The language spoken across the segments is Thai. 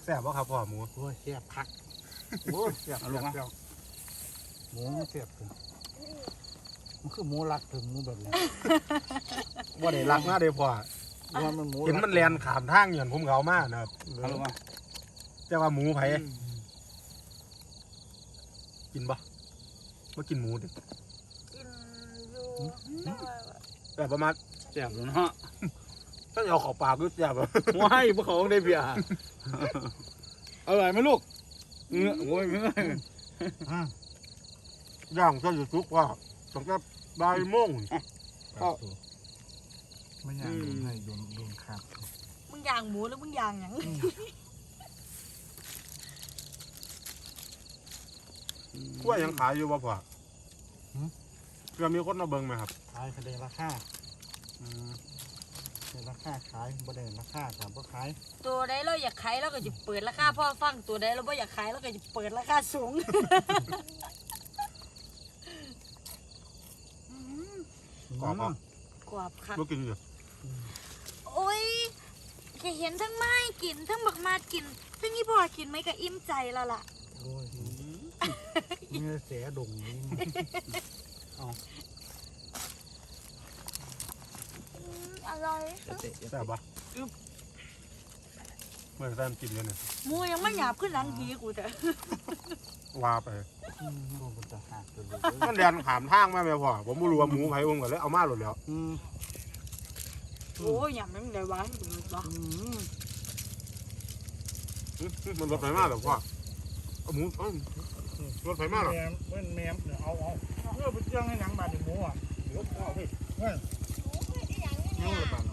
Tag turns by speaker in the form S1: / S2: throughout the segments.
S1: แซ่บบ่ครับพ่อหมู
S2: โอ้ยแซ่บคักโอ้ยแซ่บลงมาหมูแซ่บถึงมันคือหมูรักถึงหมูแบบนี้
S1: บ่ได้รักนะเด้พ่อ
S2: มันหมู
S1: เห็นมันแลนขามทางอย่างผมเขามานะครับ
S2: เอาลงมา
S1: แต่ว่าหมูไผกินบ่บ่กินหมูดิ
S3: กินอยู่
S1: แต่ประมาณ
S2: แซ่บเลยเนาะ
S1: ถ้าเอาเข้าปากก็แซ่บ
S2: ว้ายพวกเขาได้เบียร์อร่อยไหมลูกโอ้ยไม่
S1: ย่างก็อยู่ทุกว่าตั้งแต่บ่ายโมง
S2: ไม่อยากโดนให้โดนขาด
S3: มึงย่างหมูหรือมึงย่างหยัง
S1: กล้วยยังขายอยู่บ่พ่อเพื่อมีคนมาเบิ่งไหมครับ
S2: ขายคะแนนราคาเป็นราคาขายบ่ได้ราคาถามว่าขาย
S3: ตัวใดเราอยากขายเราก็จะเปิดราคาพ่อฟังตัวใดเราไม่อยากขายเราก็จะเปิดราคาสูง
S1: กรอบอ่ะ
S3: กรอบค่ะ
S1: บ่กินอยู่
S3: โอ้ยแค่เห็นทั้งไม้กินทั้งบักมาดกินทั้งนี่พ่อกินไหมก็อิ่มใจแล้วล่ะ
S2: โอ้ยเนื้อเสียดงนี้
S3: อร่อย
S1: แซ่บบ่เมื่อแซ่บกินเลยเนี่ย
S3: หมูยังไม่หยาบขึ้นหลังทีกูแต่
S1: ว่าไป
S2: โอ้มันจะหักเลย
S1: มันแลนขามทางมาแม่พ่อผมบ่รู้ว่าหมูไผผมก็เลยเอามาโลดแล้ว
S3: โอ้ยหยาบมันเลยวะวะ
S1: มันรถไฟมาหรอพ่อเอาหมูรถไฟมาหรอ
S2: แมมเนี่ยเอาเพื่อไปเจ้างให้หนังบาดหมูอ่ะเดี๋ยวพ่อไปนั่งระบาด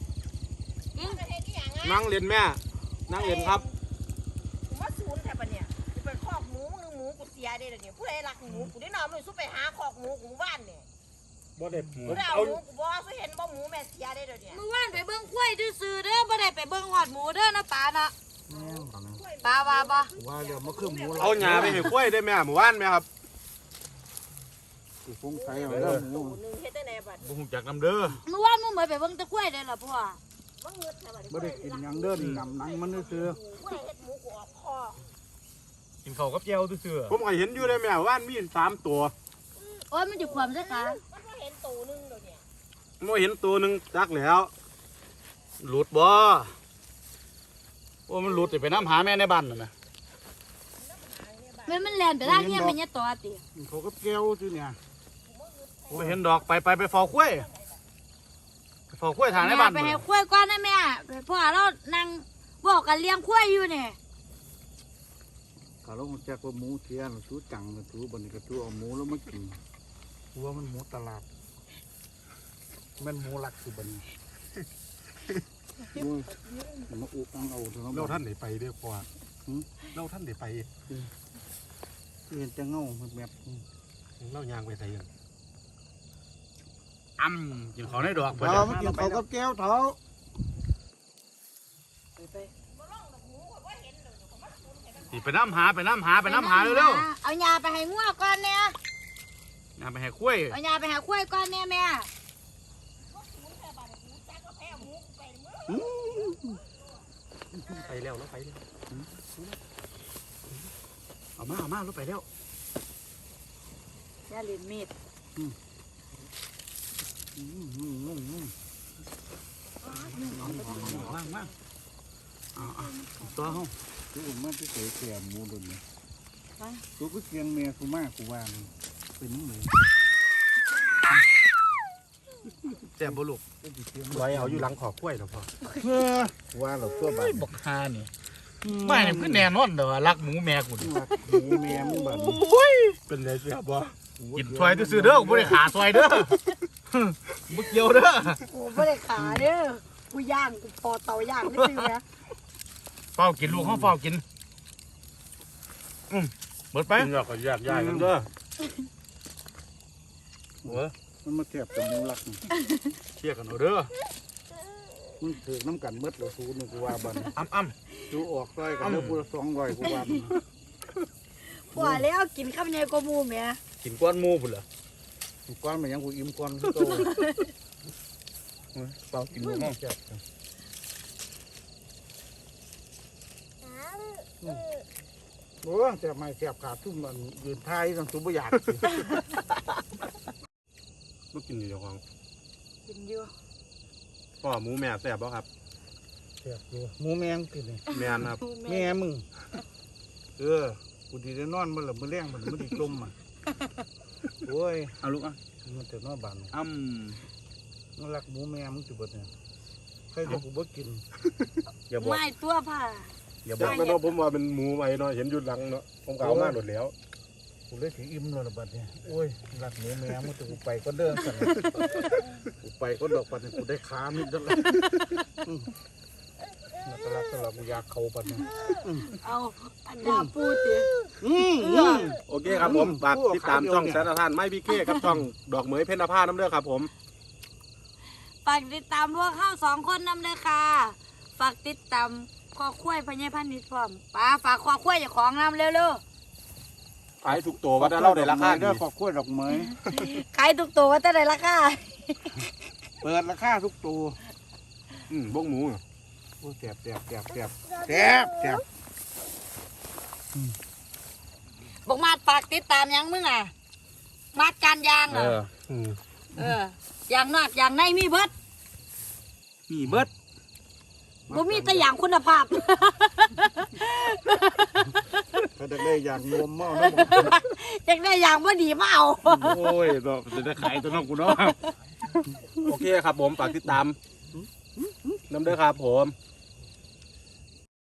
S1: นั่งเรียนแม่นั่งเรียนครับ
S4: ผมว่าศูนย์แค่ปะเนี่ยกูไปคอกหมูมึงหมูกูเสียได้เลยเนี่ยผู้ใดรักหมูกูได้นอนมึงสู้ไปหาคอกหมูกูบ้านเนี่ย
S1: บ่ได้หมู
S4: กูได้เอา
S1: เอา
S4: หมูกูบอกว่าเห็นบ่หมูแม่เสียได้เลยเนี่ย
S3: เมื่อวานไปเบิ้งกล้วยซื่อๆเด้อบ่ได้ไปเบิ้งหอดหมูเด้อนะป้าเนาะป้าว่าบ่
S2: ว่าเดี๋ยวมาคือหมู
S1: เอาหญ้าไปให้กล้วยได้แม่หมู่บ้านไหมครับ
S2: กูฟงไก่เอาแล้วหมู
S4: หนึ่งเฮ็ดได้แน่บัด
S1: บ่ฮู้จักนำเด้อ
S3: เมื่อวานมึงเหมือนไปเบิ้งตะกล้วยได้อล่ะพ่อ
S4: ว่าเงือกแค่บัด
S2: ไม่ได้กินยังเดินนำหนังมันคือ
S4: ผู้ใดเฮ็ดหมูกูออกคอ
S5: กินข้าวกับเจียวซื่อ
S1: ผมก็เห็นอยู่ได้แม่ว่านมี3ตัว
S3: โอ้ยมันจะความซะค่ะ
S4: มันก็เห็นตัวนึงเดี๋ยวเนี่ย
S1: บ่เห็นตัวหนึงจักแล้ว
S5: หลุดบ่โอ้มันหลุดไปน้ำหาแม่ในบ้านน่ะนะ
S3: มันแล่นไปทางเฮียมันเนี่ยตัวติ
S2: เขาก็แก้วที่เนี่ย
S5: ไปเห็นดอกไปฟอกกล้วยไปฟอกกล้วยทางในบ้าน
S3: ไปให้กล้วยก่อนนะแม่พ่อเรานั่งบอกกันเลี้ยงกล้วยอยู่เนี่ย
S2: ถ้าเราแจ็คว่าหมูเทียนชูจังชูบันนี้ก็ชูเอาหมูแล้วมากินว่ามันหมูตลาดมันหมูรักคือบันโอ้ยมาอุกอังเอาเถอะ
S1: เราท่านได้ไปเด้อพ่อเราท่านได้ไป
S2: เห็นจะเงาแบบ
S1: เราย่างไปไสกัน
S5: อ้ำกินข้าวในดอก
S2: เราไม่กินเขากับแก้วเท้า
S5: สิไปน้ำหาเร็ว
S3: เอายาไปให้งัวก่อนเนี่ย
S5: ๆงานไปให้กล้วย
S3: เอายาไปให้กล้วยก่อนเนี่ยแม่
S1: ไปแล้วเราไปแล้ว
S5: เอามาลงไปแล้ว
S3: ยาเล่นมีด
S5: ว่างตัวเฮา
S2: กูมันจะเสียแก่หมูดุนกูก็เสียงเมียกูมากกูวางเป็นหมู
S5: แซ่บบ่ลูก
S1: ไว้เอาอยู่หลังขอกล้วยแล้วพ่อ
S2: ว่าเราตัวบ้า
S5: เฮ้ยบักฮานี่ไม่เนี่ยคือแน่นอนเด้อรักหมูแม่กูนี่
S2: หมูเมียมึงบ้า
S1: เป็นไงเสียบ่
S5: กินซอยซื่อๆเด้อกูบ่ได้ขาซอยเด้อบ่เกี่ยวเด้อ
S3: โอ้ไม่ได้ขาเด้อกูย่างกูพอเตาย่างไม่ซื้อนะ
S5: เฝ้ากินลูกเฮาเฝ้ากินเบิดไป
S1: กินแล้วก็แยกย้ายกันเด้อ
S2: มันมาแก็บกับหมูรัก
S5: เชี่ยกันเอาเด้อ
S2: มึงถือน้ำกันเมื่อเราสูนึกว่าบ้าน
S5: อ้ำ
S2: ดูออกร้อยกันแล้วกูละ200กูว่า
S3: พอแล้วกินข้าวเหนียวกมูแม่
S5: กินก้อนหมูพุ่นเหรอ
S2: ก้อนมันยังกูอิ่มก้อนกูโต
S5: เฝ้ากินลูกเฮา
S2: แก็บ
S4: ฮะ
S2: โอ้แต่ไม่แสบขาดทุ่มมันยืนท้ายต้องตุ้มอยาก
S1: บ่กินอยู่เจ้าของ
S3: กินอยู่
S1: พ่อหมูแม่แซ่บบ่ครับ
S2: แสบอยู่หมูแมงกินนี่
S1: แม่นครับ
S2: แม่มึงกูดีได้นอนมันหลับมือแรงมันไม่ได้จมอ่ะโอ้ย
S5: เอาลูกอ่ะ
S2: มันจะนอนบาน มันรักหมูแม่มึงจุบดเนี่ยใครเดี๋ยวกูบ่กิน
S1: อย่าบอก
S3: ไม่ตัวผ่า
S1: อย่าบอกนะเนาะผมว่าเป็นหมูไว้เนาะเห็นอยู่หลังเนาะผมก็เอามาหมดแล้ว
S2: กูเลยถืออิ่มแล้วล่ะบัดเนี่ยโอ้ยรักหมูแม่มึงจะกูไปก็เดินกันกูไปก็ดอกบัดเนี่ยกูได้ขามิดแล้วล่ะแล้วก็รักตลอดกูอยากเข้าบัดเนี่ย
S3: เอาอันดาปูติ
S1: โอเคครับผมฝากติดตามช่องแสนทานไม่พี่เคกับช่องดอกเหมยเพ็ญนภาน้ำเด้อครับผม
S3: ฝากติดตามพวกเข้า2 คนนำเลยค่ะ ฝากติดตามคอคุ้ยพญาพันธุ์นิดพร้อมป้าฝากคอคุ้ยอย่าของนำเร็ว
S1: ขายถูกตัวว่าได้เล่าได้ราคาดี
S2: เด้อขอบคุณดอกไม้
S3: ๆขายทุกตัวว่าจะได้ราคา
S2: เปิดราคาทุกตัว
S1: บ้งหมู
S2: โอ้ยแสบแสบแสบแสบแสบแสบ
S3: บอกมาฝากติดตามยังมึงอ่ะมาดการยาง
S5: เอ
S3: อ่ะ
S5: อ
S3: อย่างนอกอย่างในมีเบิด
S5: มีเบิด
S3: บ่มีแต่อย่างคุณภาพ
S2: เขาจะได้อย่างรวมหม้อนะผม
S3: อยากได้อย่างบ่ดีมาเอา
S5: โอ้ยเนาะจะได้ขายตัวน้องกูเนาะ
S1: โอเคครับผมฝากติดตามน้ำเด้อครับผม